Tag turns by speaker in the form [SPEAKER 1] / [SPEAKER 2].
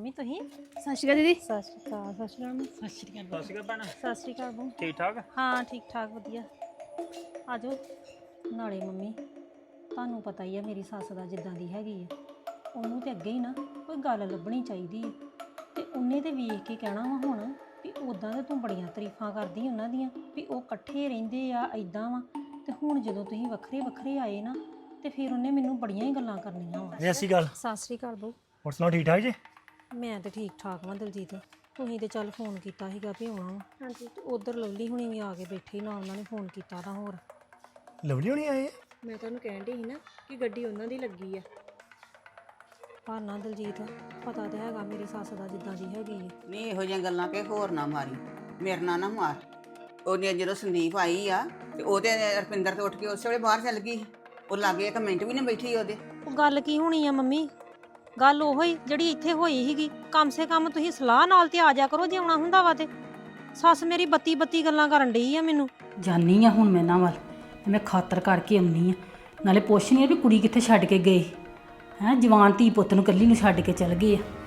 [SPEAKER 1] Mummy ਤੁਸੀਂ
[SPEAKER 2] ਸਤਿ ਸ਼੍ਰੀ ਅਕਾਲ ਦੀਦੀ।
[SPEAKER 1] ਸਤਿ ਸ਼੍ਰੀ ਅਕਾਲ ਸਤਿ ਸ਼੍ਰੀ ਅਕਾਲ
[SPEAKER 3] ਸਤਿ ਸ਼੍ਰੀ ਅਕਾਲ ਭੈਣ।
[SPEAKER 1] ਸਤਿ ਸ਼੍ਰੀ ਅਕਾਲ ਬੂ
[SPEAKER 3] ਠੀਕ ਠਾਕ?
[SPEAKER 1] ਹਾਂ ਠੀਕ ਠਾਕ ਵਧੀਆ। ਆ ਜਾਓ। ਨਾਲੇ ਮੰਮੀ ਤੁਹਾਨੂੰ ਪਤਾ ਹੀ ਆ ਮੇਰੀ ਸੱਸ ਦਾ ਜਿੱਦਾਂ ਦੀ ਹੈਗੀ ਆ, ਉਹਨੂੰ ਤੇ ਅੱਗੇ ਹੀ ਨਾ ਕੋਈ ਗੱਲ ਲੱਭਣੀ ਚਾਹੀਦੀ ਹੈ। ਤੇ ਉਹਨੇ ਤੇ ਵੇਖ ਕੇ ਕਹਿਣਾ ਵਾ ਹੁਣ ਵੀ ਉਦਾਂ ਤਾਂ ਤੂੰ ਬੜੀਆਂ ਤਾਰੀਫਾਂ ਕਰਦੀ ਉਹਨਾਂ ਦੀਆਂ ਵੀ ਉਹ ਇਕੱਠੇ ਰਹਿੰਦੇ ਆ ਇਦਾਂ ਵਾ, ਤੇ ਹੁਣ ਜਦੋਂ ਤੁਸੀਂ ਵੱਖਰੇ ਵੱਖਰੇ ਆਏ ਨਾ ਤੇ ਫਿਰ ਉਹਨੇ ਮੈਨੂੰ ਬੜੀਆਂ ਹੀ ਗੱਲਾਂ ਕਰਨੀਆਂ ਵਾ।
[SPEAKER 4] ਐਸੀ ਗੱਲ।
[SPEAKER 1] ਸਤਿ ਸ਼੍ਰੀ ਅਕਾਲ ਬੂ।
[SPEAKER 4] ਹੋਰ ਸੁਣਾਓ ਠੀਕ ਠਾਕ ਜੀ?
[SPEAKER 1] ਮੈਂ ਤੇ ਠੀਕ ਠਾਕ ਵਾਂ ਦਲਜੀਤ। ਤੁਸੀਂ ਤੇ ਚੱਲ ਫੋਨ ਕੀਤਾ ਸੀਗਾ ਵੀ ਆਉਣਾ ਵਾ। ਹਾਂਜੀ ਤੇ ਉਧਰ ਲਵਲੀ ਹੁਣੀ ਵੀ ਆ ਕੇ ਬੈਠੇ ਨਾ, ਉਹਨਾਂ ਨੇ ਫੋਨ ਕੀਤਾ ਤਾਂ ਹੋਰ
[SPEAKER 4] ਲਵਲੀ ਹੋਣੀ ਆਏ?
[SPEAKER 1] ਮੈਂ ਤੁਹਾਨੂੰ ਕਹਿਣ ਡਈ ਸੀ ਨਾ ਕਿ ਗੱਡੀ ਉਹਨਾਂ ਦੀ ਲੱਗੀ ਆ। ਪਰ ਨਾ ਦਲਜੀਤ ਪਤਾ ਤੇ ਹੈਗਾ ਮੇਰੀ ਸੱਸ ਦਾ ਜਿੱਦਾਂ ਦੀ ਹੈਗੀ ਆ।
[SPEAKER 5] ਨਹੀਂ ਇਹੋ ਜਿਹੀਆਂ ਗੱਲਾਂ ਕਿ ਹੋਰ ਨਾ ਮਾਰੀ, ਮੇਰੇ ਨਾਲ ਨਾ ਮਾਰ। ਉਹਨੇ ਜਦੋਂ ਸੰਦੀਪ ਆਈ ਆ ਤੇ ਉਹਦੇ ਰਪਿੰਦਰ ਤੇ ਉੱਠ ਕੇ ਉਸੇ ਵੇਲੇ ਬਾਹਰ ਚੱਲ ਗਈ। ਉਹ ਲਾਗੇ ਇੱਕ ਮਿੰਟ ਵੀ ਨਹੀਂ ਬੈਠੀ ਉਹਦੇ।
[SPEAKER 1] ਉਹ ਗੱਲ ਕੀ ਹੋਣੀ ਆ ਮੰਮੀ, ਗੱਲ ਉਹੋ ਹੀ ਜਿਹੜੀ ਇੱਥੇ ਹੋਈ ਸੀਗੀ। ਕਮ ਸੇ ਕਮ ਤੁਸੀਂ ਸਲਾਹ ਨਾਲ ਤੇ ਆ ਜਾ ਕਰੋ ਜੇ ਆਉਣਾ ਹੁੰਦਾ ਵਾ ਤੇ। ਸੱਸ ਮੇਰੀ ਬੱਤੀ ਗੱਲਾਂ ਕਰਨ ਡਈ ਆ ਮੈਨੂੰ।
[SPEAKER 2] ਜਾਨੀ ਆ ਹੁਣ ਮੈਂ ਇਹਨਾਂ ਵੱਲ, ਮੈਂ ਖਾਤਰ ਕਰਕੇ ਆਉਣੀ ਆ, ਨਾਲੇ ਪੁੱਛਣੀ ਆ ਵੀ ਕੁੜੀ ਕਿੱਥੇ ਛੱਡ ਕੇ ਗਏ ਹੈ। ਜਵਾਨ ਧੀ ਪੁੱਤ ਨੂੰ ਇਕੱਲੀ ਨੂੰ ਛੱਡ ਕੇ ਚਲ ਗਏ ਆ।